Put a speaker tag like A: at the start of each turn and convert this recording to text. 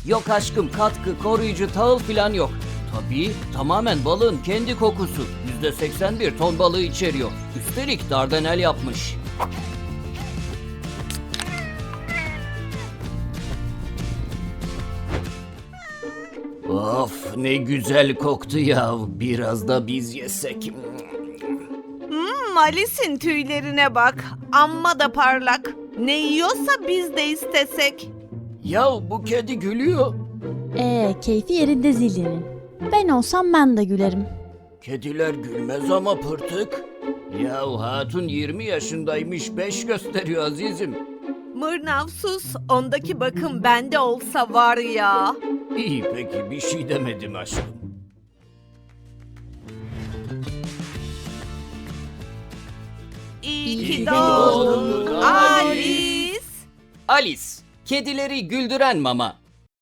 A: Yok aşkım, katkı, koruyucu, tahıl filan yok. Tabii tamamen balığın kendi kokusu. %81 ton balığı içeriyor. Üstelik dardanel yapmış. Of, ne güzel koktu ya. Biraz da biz yesek.
B: Alice'in tüylerine bak. Amma da parlak. Ne yiyorsa biz de istesek.
A: Ya bu kedi gülüyor.
C: Keyfi yerinde Zilli'nin. Ben olsam ben de gülerim.
A: Kediler gülmez ama pırtık. Ya hatun 20 yaşındaymış, 5 gösteriyor azizim.
B: Mırnav sus. Ondaki bakım bende olsa var ya.
A: İyi peki, bir şey demedim aşkım.
B: İyi ki
A: doğdun
B: doğdun Alice.
A: Alice, kedileri güldüren mama.